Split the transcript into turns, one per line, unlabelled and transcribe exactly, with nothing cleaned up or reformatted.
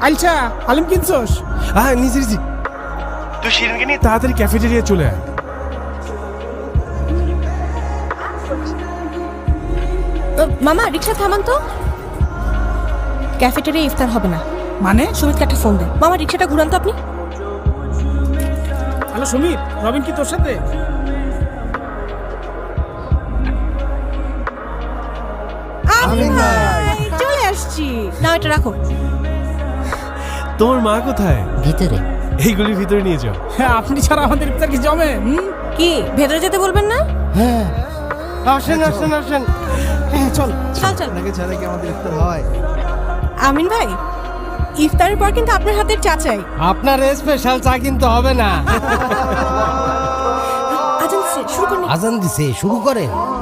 আইলছা আলিম কিনছস?
হ্যাঁ নিচে নিচে তুই শিরিনকে নিয়ে তাড়াতাড়ি ক্যাফেটেরিয়া চলে আয়।
মামা রিক্সা থামান তো, ক্যাফেটেরিয়া ইফতার হবে না।
মানে?
সুমিতকে একটা ফোন দে। মামা রিক্সাটা ঘুরান তো আপনি।
হ্যালো সুমিত, রবিন কি তোর সাথে?
আমিন ভাই চলে আসছি। না এটা রাখো।
তোমার মা কোথায়?
ভিতরে।
এইগুলির ভিতরে নিয়ে যাও।
হ্যাঁ, আপনি ছাড়া আমাদের ইফতার কি জমে? হুম?
কি ভেতরে যেতে বলবেন না?
হ্যাঁ
আসেন আসেন আসেন।
হ্যাঁ চল।
চল চল।
আপনাকে ছাড়া কি আমাদের ইফতার হয়?
আমিন ভাই ইফতারের পর কিন্তু আপনার হাতের চা চাই।
আপনার স্পেশাল চা কিন্তু হবে না।
আজান দিছে, শুরু করুন।
আজান দিছে, শুরু করেন।